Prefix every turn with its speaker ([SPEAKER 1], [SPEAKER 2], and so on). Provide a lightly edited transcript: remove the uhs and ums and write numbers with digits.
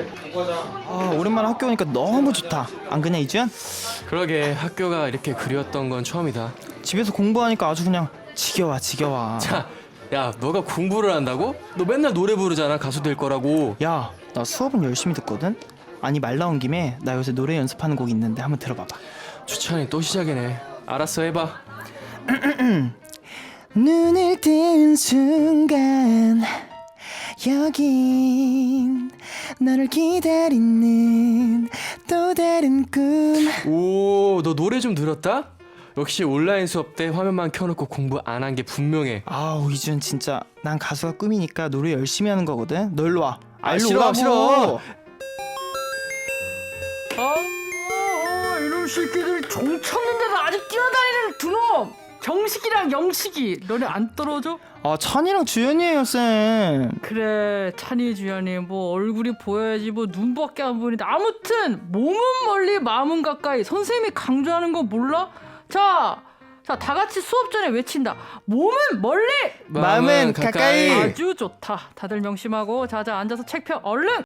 [SPEAKER 1] 아, 오랜만에 학교 오니까 너무 좋다. 안 그냐, 이주연?
[SPEAKER 2] 그러게 학교가 이렇게 그리웠던 건 처음이다.
[SPEAKER 1] 집에서 공부하니까 아주 그냥 지겨워.
[SPEAKER 2] 자, 야, 너가 공부를 한다고? 너 맨날 노래 부르잖아. 가수 될 거라고.
[SPEAKER 1] 야, 나 수업은 열심히 듣거든? 아니, 말 나온 김에 나 요새 노래 연습하는 곡 있는데 한번 들어봐봐.
[SPEAKER 2] 추천이 또 시작이네. 알았어, 해봐.
[SPEAKER 1] 눈을 뜬 순간 여긴 너를 기다리는 또 다른 꿈.
[SPEAKER 2] 오, 너 노래 좀 들었다? 역시 온라인 수업 때 화면만 켜놓고 공부 안 한 게 분명해.
[SPEAKER 1] 아우, 이준 진짜 난 가수가 꿈이니까 노래 열심히 하는 거거든. 너 일로 와. 일로
[SPEAKER 2] 싫어,
[SPEAKER 1] 오라고.
[SPEAKER 2] 싫어.
[SPEAKER 3] 이놈 새끼들 종 쳤는데도 아직 뛰어다니는 두 놈! 정식이랑 영식이 너네 안 떨어져?
[SPEAKER 1] 아, 찬이랑 주연이에요, 쌤.
[SPEAKER 3] 그래 찬이 주연이 뭐 얼굴이 보여야지 뭐 눈밖에 안 보이는데 아무튼 몸은 멀리 마음은 가까이 선생님이 강조하는 거 몰라? 자 다 같이 수업 전에 외친다. 몸은 멀리
[SPEAKER 1] 마음은 가까이.
[SPEAKER 3] 아주 좋다. 다들 명심하고 자자 앉아서 책 펴 얼른